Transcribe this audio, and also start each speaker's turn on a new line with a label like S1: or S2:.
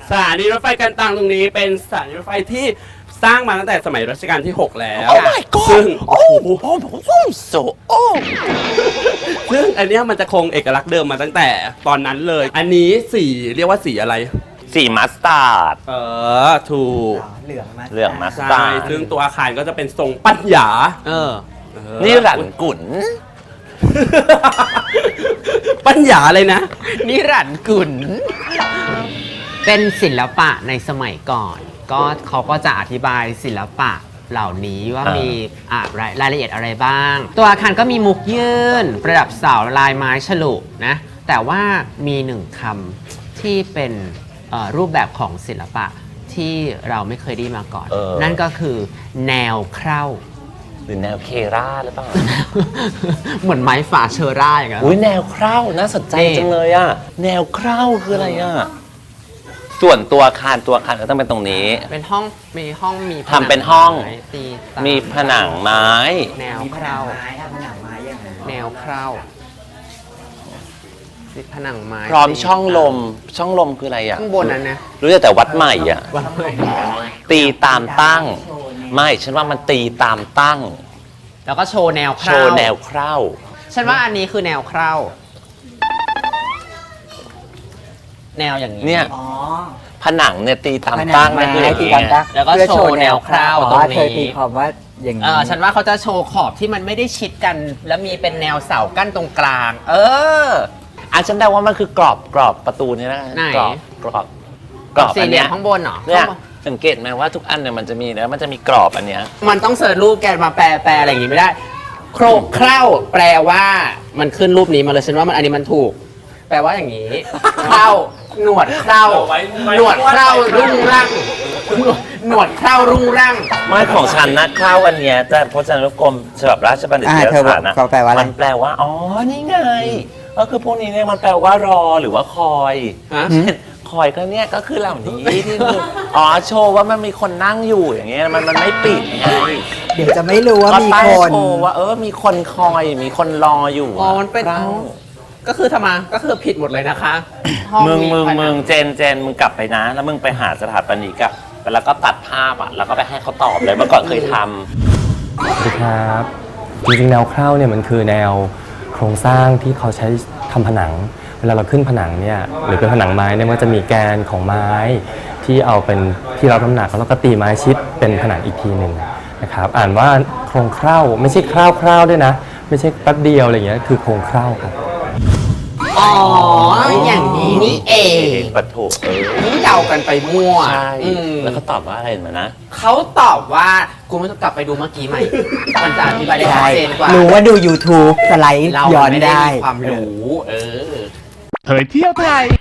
S1: สถานีรถไฟกันตังตรงนี้เป็นสถานีรถไฟที่สร้างมาตั้งแต่สมัยรัชกาลที่ 6 แล้ว
S2: Oh my god
S1: ซึ่ง
S2: โอ้so
S1: ซึ่งอันเนี้ยมันจะคงเอกลักษณ์เดิมมาตั้งแต่ตอนนั้นเลย อันนี้สีเรียกว่าสีอะไร
S2: สีมัสตาร์ด
S1: ถูก
S3: เหลืองมา
S2: เหลืองมัส
S1: ใช่
S2: ตาร์ด
S1: ซึ่งตัวอาคารก็จะเป็นทรงปัญญา
S2: นี่หลันกุน
S1: ปัญญาเลยนะ
S4: นิรันดร์กุลเป็นศิลปะในสมัยก่อน ก็เขาก็จะอธิบายศิลปะเหล่านี้ว่ามีรายละเอียดอะไรบ้าง ตัวอาคารก็มีมุกยื่น ประดับเสาลายไม้ฉลุนะ แต่ว่ามีหนึ่งคำที่เป็นรูปแบบของศิลปะที่เราไม่เคยได้มาก่อน นั่นก็คือแนวเครา
S2: หรือแนวเคราหรือเปล่า
S4: เหมือนไม้ฝาเชอร่าอย่างเงี้ย
S2: อุ้ยแนวเคราน่าสนใจ
S4: นี่
S2: จังเลยอ่ะ แนวเคราคืออะไรอ่ะ ส่วนตัวอาคารก็ต้องเป็นตรงนี้
S4: เป็นห้องมีห้องมี
S2: ทำเป็นห้อง
S4: ไม้ตีตา
S2: มีผนังไม้
S4: แนว
S3: มีผ
S4: เค
S3: นั
S4: ราง
S3: ไม้ถ้าผนังไม้ยังไง
S4: แนวเคราติดผนังไม้
S2: พร้อมช่องลม ช่องลมคืออะไรอ่ะ
S4: ข้างบนนั้นนะ
S2: รู้แต่วัดใหม่อ่ะ
S4: ว่าเลย
S2: ตีตามตั้ง ไม่ ฉันว่ามันตีตามตั้ง
S4: แล้วก็โชว์แนวเค
S2: โช
S4: รา
S2: ว์แนวเครา
S4: ฉันว่าอันนี้คือแนวเคราแนวอย่างนี้
S2: เนี่ย
S3: อ๋อ
S2: ผนังเนี่ยตีตาม
S3: ผนั
S2: ตั้
S3: ง
S2: ง
S3: ไม้
S2: นั่นคืออย่าง
S3: ที่
S2: นี้
S3: กัน
S2: ไง
S3: ตั้ง
S4: แล้วก็โชว์แนวคร่าว
S3: อ๋อ
S4: ตรงนี้
S3: เธอตีความว่าอย่างนี้
S4: ฉันว่าเขาจะโชว์ขอบที่มันไม่ได้ชิดกัน แล้วมีเป็นแนวเสากั้นตรงกลาง
S2: ฉันเดาว่ามันคือกรอบประตูนี่นะ
S4: ไหน
S2: กรอบ
S4: สี่
S2: อัน
S4: เหลี่
S2: เนี้
S4: ย
S2: ย
S4: มข้างบนเหรอ
S2: เนี่ยสังเกตไหมว่าทุกอันเนี่ยมันจะมีนะมันจะมีกรอบอันเนี้ย
S4: มันต้องเสิร์ชรูปแกมาแปลอะไรอย่างงี้ไม่ได้ โครกเคร่าแปลว่ามันขึ้นรูปนี้มาเลยฉันว่ามันอันนี้มันถูก แปลว่าอย่างนี้ เคร่าหนวดเคร่าหนวดเคร่ารุ่งร่างหนวดเคร่ารุ่งร่าง
S2: ไม่ของฉันนะข้าวอันเนี้ยแต่พจนานุกรมฉบับราชบัณฑิตย
S3: เธอ
S2: สถานนะ
S3: เขาแปลว่าอะไร
S2: มันแปลว่าอ๋อนี่ไงก็คือพวกนี้เนี่ยมันแปลว่ารอหรือว่าคอย
S4: ฮะ
S2: เช่นคอยก็เนี่ยก็คือเหล่านี้ที่คือโชว์ว่ามันมีคนนั่งอยู่อย่างเงี้ยมันไม่ปิดไง
S3: เดี๋ยวจะไม่รู้ว่ามี
S2: ก็ตั้ง
S3: คน
S2: โชว์ว่ามีคนคอยมีคนรออยู่
S4: อ๋อมันเป็น
S2: คร่าว
S4: ก็คือทำไมก็คือผิดหมดเลยนะคะห้อ
S2: มึง
S4: ผนั
S2: เจนมึงกลับไปนะ แล้วมึงไปหาสถาปนิกอะแล้วก็ตัดภาพอะแล้วก็ไปให้เขาตอบเลยเมื่อก่อนเคยทำ
S5: สวัสดีครับจริงๆแนวเคร่าเนี่ยมันคือแนวโครงสร้างที่เขาใช้ทำผนัง เวลาเราขึ้นผนังเนี่ยหรือเป็นผนังไม้เนี่ยมันจะมีแกนของไม้ที่เอาเป็นที่รับน้ำหนักแล้วก็ตีไม้ชิดเป็นผนังอีกทีหนึ่งนะครับอ่านว่าโครงเคร่าไม่ใช่คร่าวๆด้วยนะไม่ใช่แป๊บเดียวอะไรอย่างเงี้ยคือโครงเคร่าครับ
S4: อ๋ออย่างนี้นี่เอง
S2: ปัดถูก
S4: นี่เดากันไปมั่ว
S2: ใช่
S4: อืม
S2: แล้วเขาตอบว่าอะไรเหมือนนะ
S4: เขาตอบว่ากูไม่ต้องกลับไปดูเมื่อกี้ใหม่ มันจะอธิบายได้ชัด
S3: ใช่
S4: เจนกว่า
S3: รู้ว่าดู YouTube สไลด์
S4: เรา
S3: ย้อน
S4: ไม่ได้
S3: ได้
S4: มีความรู้
S6: เผยเที่ยวไทย